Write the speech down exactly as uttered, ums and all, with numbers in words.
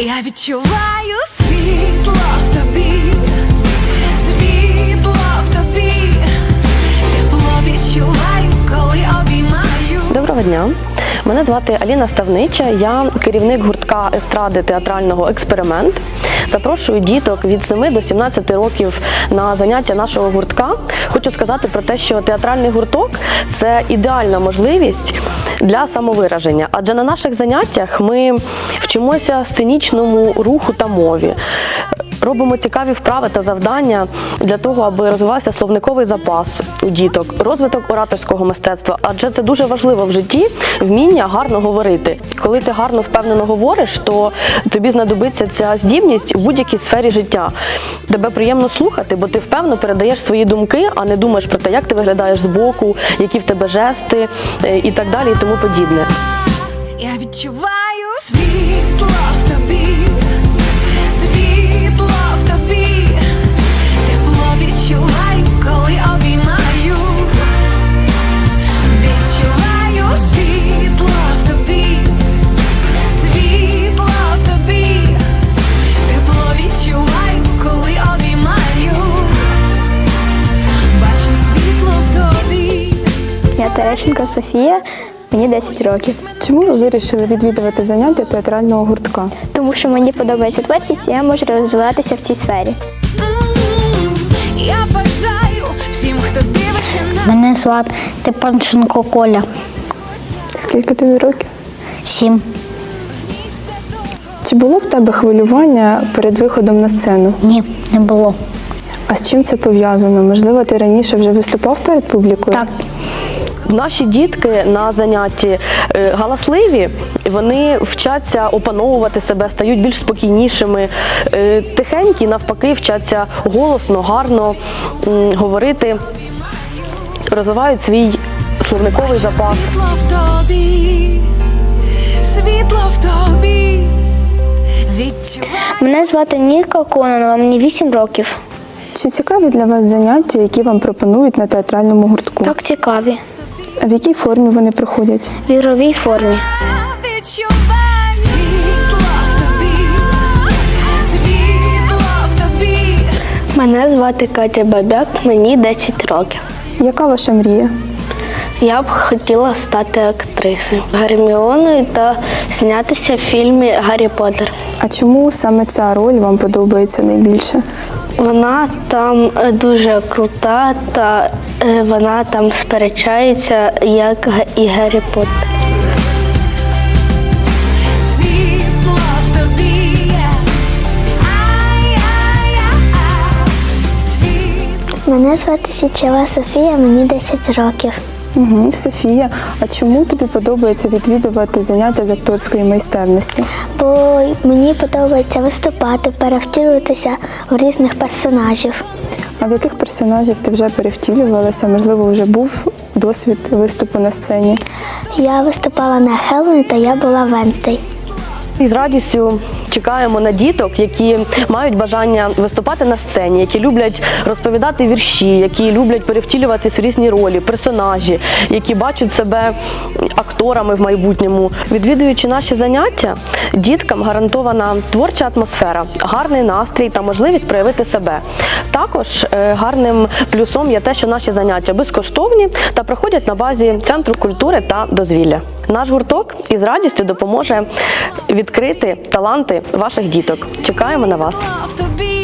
Я відчуваю світло в тобі, світло в тобі, тепло відчуваю, коли обіймаю. Доброго дня. Мене звати Аліна Ставнича, я керівник гуртка естради театрального «Експеримент». Запрошую діток від семи до сімнадцяти років на заняття нашого гуртка. Хочу сказати про те, що театральний гурток – це ідеальна можливість для самовираження. Адже на наших заняттях ми вчимося сценічному руху та мові. Робимо цікаві вправи та завдання для того, аби розвивався словниковий запас у діток, розвиток ораторського мистецтва, адже це дуже важливо в житті – вміння гарно говорити. Коли ти гарно, впевнено говориш, то тобі знадобиться ця здібність у будь-якій сфері життя. Тебе приємно слухати, бо ти впевнено передаєш свої думки, а не думаєш про те, як ти виглядаєш збоку, які в тебе жести і так далі, і тому подібне. Я відчуваю світло в тобі, світло в тобі, тепло відчуваю, коли обіймаю. Відчуваю світло в тобі, світло в тобі, тепло відчуваю, коли обіймаю. Бачу світло в тобі. Я Терещенко Софія, мені десять років. Чому ви вирішили відвідувати заняття театрального гуртка? Тому що мені подобається творчість, і я можу розвиватися в цій сфері. Я бажаю всім, хто дивиться на Мене звати Степанченко Коля, Скільки тобі років? сім. Чи було в тебе хвилювання перед виходом на сцену? Ні, не було. А з чим це пов'язано? Можливо, ти раніше вже виступав перед публікою? Так, Наші дітки на занятті е, галасливі, вони вчаться опановувати себе, стають більш спокійнішими. Е, Тихенькі, навпаки, вчаться голосно, гарно м, говорити, розвивають свій словниковий запас. світло в тобі, світло в тобі. Відчуваю. Мене звати Ніка Кононова, мені вісім років. Чи цікаві для вас заняття, які вам пропонують на театральному гуртку? Так цікаві. А в якій формі вони проходять? В ігровій формі. Відчуваю світло в тобі, світло в тобі. Мене звати Катя Бабяк, мені десять років. Яка ваша мрія? Я б хотіла стати актрисою Герміоною та знятися в фільмі «Гаррі Поттер». А чому саме ця роль вам подобається найбільше? Вона там е, дуже крута, та е, вона там сперечається, як Г- і Гаррі Поттер. Світло в тобі. Ай-яй-яй-яй. Світло. Мене звати Січева Софія, мені десять років. Угу. Софія, а чому тобі подобається відвідувати заняття з акторської майстерності? Бо мені подобається виступати, перевтілюватися в різних персонажів. А в яких персонажів ти вже перевтілювалася? Можливо, вже був досвід виступу на сцені? Я виступала на Хеллоуін, та я була Венздей. І з радістю чекаємо на діток, які мають бажання виступати на сцені, які люблять розповідати вірші, які люблять перевтілюватись в різні ролі, персонажі, які бачать себе акторами в майбутньому. Відвідуючи наші заняття, діткам гарантована творча атмосфера, гарний настрій та можливість проявити себе. Також е, гарним плюсом є те, що наші заняття безкоштовні та проходять на базі Центру культури та дозвілля. Наш гурток із радістю допоможе відкрити таланти ваших діток. Чекаємо на вас. В тобі.